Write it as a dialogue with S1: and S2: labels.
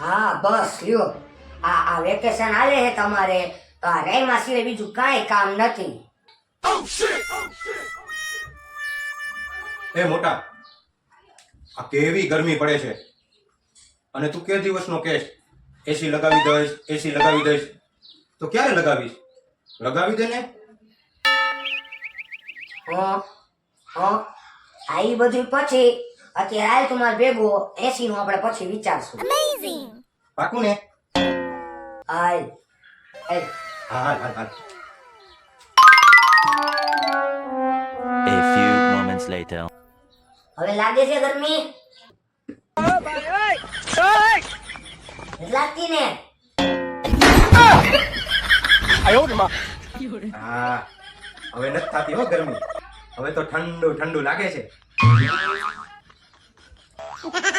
S1: હા બસ લ્યો, આ વેકેશન આલે છે તમારે તો આ રેમાં સિવાય બીજું કાંઈ કામ નથી.
S2: એ મોટા, આ કેવી ગરમી પડે છે અને તું કે દિવસનો કેસ એસી લગાવી દઈશ તો ક્યારે લગાવીશ? લગાવી દે ને.
S1: આ ઈ બધું પછી અત્યારે હાલ તમારે ભેગો એસી નું આપણે પછી વિચારશું.
S2: પાકું ને?
S1: હાલ હાલ.
S2: હા હા હા.
S3: A few moments later.
S1: હવે લાગે છે ગરમી? લાગતી ને?
S2: હા, હવે નથી થતી હો ગરમી. હવે તો ઠંડુ ઠંડુ લાગે છે.